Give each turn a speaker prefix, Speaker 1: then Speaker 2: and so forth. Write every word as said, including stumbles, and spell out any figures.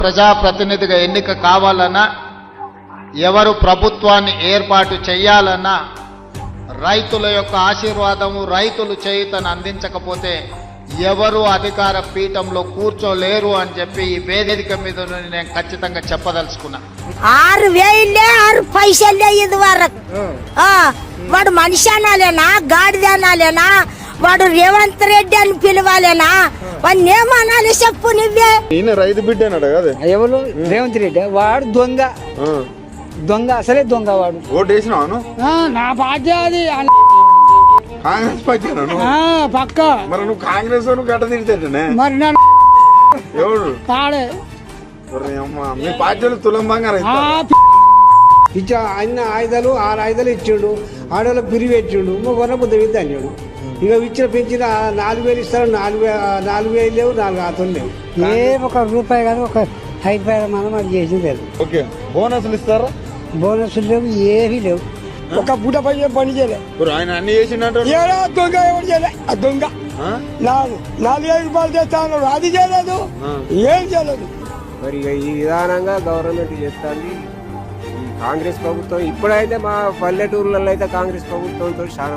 Speaker 1: ప్రజాప్రతినిధిగా ఎన్నిక కావాలన్నా, ఎవరు ప్రభుత్వాన్ని ఏర్పాటు చేయాలన్నా రైతుల యొక్క ఆశీర్వాదము, రైతులు చేయుతను అందించకపోతే ఎవరు అధికార పీఠంలో కూర్చోలేరు అని చెప్పి ఈ వేదిక మీద నుండి నేను ఖచ్చితంగా చెప్పదలుచుకున్నా.
Speaker 2: ఆరు వేలే ఆరు పైసలే ఇది వరకు. వాడు మనిషి అనాలేనా, గాడిద అనాలేనా, వాడు రేవంత్ రెడ్డి అని పిలవాలేనా, వాడిని ఏమనాలి చెప్పు నువ్వే.
Speaker 3: ఈయన రైతు బిడ్డ అన్నాడు కదా
Speaker 4: ఎవరు? రేవంత్ రెడ్డి. వాడు దొంగ దొంగ అసలే దొంగ వాడు.
Speaker 3: ఓటు వేసినావు?
Speaker 4: నా పార్టీ అది
Speaker 3: కాంగ్రెస్ పార్టీ
Speaker 4: పక్క.
Speaker 3: మరి నువ్వు కాంగ్రెస్ గడ్డ తింటానే
Speaker 4: మరి నన్ను
Speaker 3: ఎవడు
Speaker 4: కాడే
Speaker 3: మీ పార్టీలు తులం బంగారం
Speaker 5: ఇచ్చా అన్న ఆయుధాలు ఆరు ఆయుధాలు ఇచ్చిండు, ఆడవాళ్ళకి పిరివి ఇచ్చిండు, మొన్న బుద్ధ విద్య అన్నాడు. ఇక ఇచ్చిన పెంచిన నాలుగు వేలు ఇస్తారు, నాలుగు వే నాలుగు వేలు లేవు, నాలుగు ఆతలు లేవు.
Speaker 4: ఏ ఒక రూపాయి కాదు, ఒక ఐదు రూపాయల మనం అది చేసింది లేదు.
Speaker 3: ఓకే, బోనస్లు ఇస్తారా?
Speaker 4: బోనస్లు లేవు, ఏమీ లేవు. ఒక పూట పని పని చేయలేదు
Speaker 3: ఆయన అన్ని చేసినట్టు.
Speaker 4: దొంగ ఎవరు చేయలే. ఆ దొంగ నాలుగు నాలుగు వేల రూపాయలు చేస్తా ఉన్నాడు, అది చేయలేదు, ఏం చేయలేదు.
Speaker 6: మరి ఈ విధానంగా గవర్నమెంట్ చేస్తుంది ఈ కాంగ్రెస్ ప్రభుత్వం. ఇప్పుడైతే మా పల్లెటూర్లలో అయితే కాంగ్రెస్ ప్రభుత్వంతో చాలా